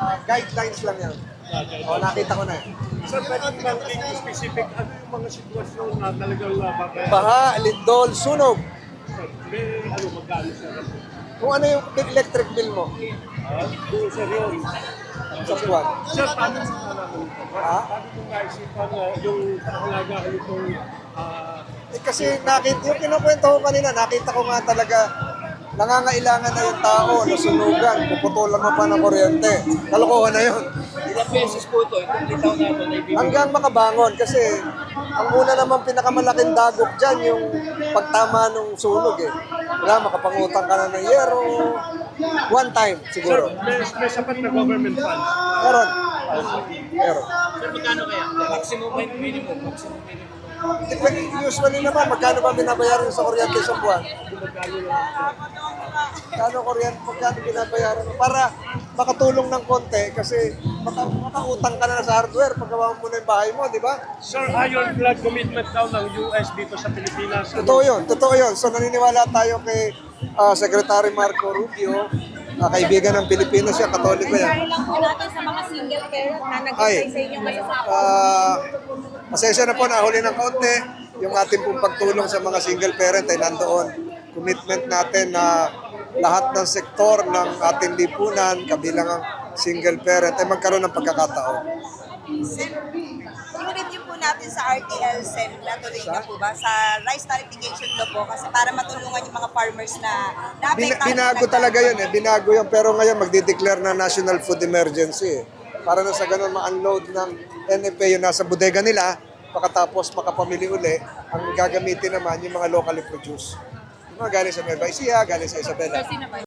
guidelines lang yan. O, nakita ko na eh. Sir, pwede bang being specific, ano yung mga sitwasyon na talagang bakit? Baha, lindol, sunog. Sir, may ano, magkano sir? Kung ano yung electric bill mo Kung sir yun. sa buwan. Sir, paano sa namin ito? Ha? Paano kung naisipan yung pangalagaan itong Kasi yung kinukwento ko kanina, nakita ko nga talaga nangangailangan na yung tao, nasunugan, puputulan mo pa ng kuryente. Kalokohan na yun. Ilang beses po ito, itong litaw natin na ibibigay. Hanggang makabangon kasi ang una naman pinakamalaking dagok dyan yung pagtama ng sunog eh. Wala, makapangutang ka na ng yero. One time Sir, siguro. may sapat na government funds. Meron. Meron. Sir, magkano kaya? Maximum and minimum. Maximum minimum. Usually naman, magkano ba binabayaran sa kuryente sa buwan? Magkano binabayaran? Para makatulong ng konti kasi makautang ka na sa hardware paggawa mo na yung bahay mo, di ba? Sir, ironclad commitment daw ng US dito sa Pilipinas. Totoo yun. So naniniwala tayo kay Secretary Marco Rubio, kaibigan ng Pilipinas siya, Katoliko yan. Dahil lang po natin sa mga single parent na Ay, nag-apply sa inyo ngayon sa pasensya na po, nahuli ng kaunti. Yung ating pong pagtulong sa mga single parent ay nandoon. Commitment natin na lahat ng sektor ng ating lipunan, kabilang ang single parent, ay magkaroon ng pagkakataon. Yung review po natin sa RTL Sen, natuloy na po ba? Sa rice tariffication law po, kasi para matulungan yung mga farmers na naapektahan. Binago talaga yun eh, binago yun. Pero ngayon magdi-declare na National Food Emergency eh. Para na sa ganun ma-unload ng NFA yung nasa bodega nila, pagkatapos makapamili uli, ang gagamitin naman yung mga locally produced. Yung mga galing sa Nueva Ecija, galing sa Isabela.